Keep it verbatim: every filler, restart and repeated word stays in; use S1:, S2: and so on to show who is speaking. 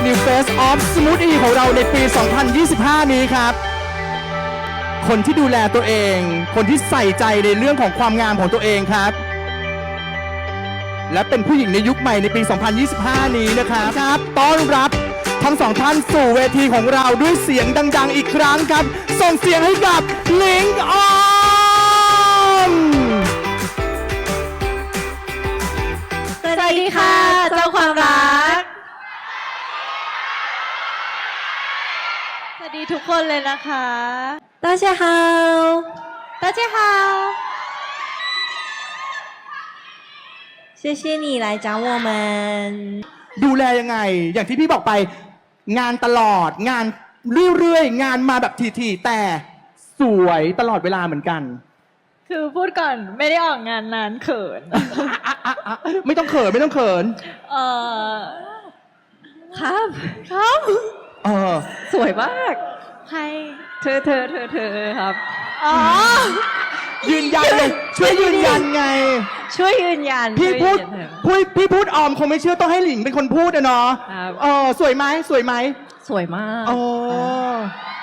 S1: New Face of Smoothie ของเราในปี สองพันยี่สิบห้า นี้ครับ คนที่ดูแลตัวเอง คนที่ใส่ใจในเรื่องของความงามของตัวเองครับ และเป็นผู้หญิงในยุคใหม่ในปี สองพันยี่สิบห้า นี้นะครับครับต้อนรับทั้งสองท่านสู่เวทีของเราด้วยเสียงดังๆอีกครั้งครับ ส่งเสียงให้กับหลิงออม
S2: สวัสดีค่ะเจ้าความรักสวัสดีทุกคนเลยนะคะ大家好大家好谢谢你来找我们
S1: ดูแลยังไง อย่างที่พี่บอกไปงานตลอดงานเรื่อยๆงานมาแบบทีๆแต่สวยตลอดเวลาเหมือนกัน
S2: คือพูดก่อนไม่ได้ออกงานนานเขิน
S1: ไม่ต้องเขินไม่ต้องเขิน
S2: เออครับครับ
S1: เออ
S2: สวยมากใครเธอเธอเธอเธอครับอ๋อ
S1: ยืนยันเลยช่วยยืนยันไง
S2: ช่วยยืนยัน
S1: พี่พูดพูดพี่พูดออมคงไม่เชื่อต้องให้หลิงเป็นคนพูดนะเนาะเออสวยไหมสวยไหม
S2: สวยมาก
S1: อ๋อ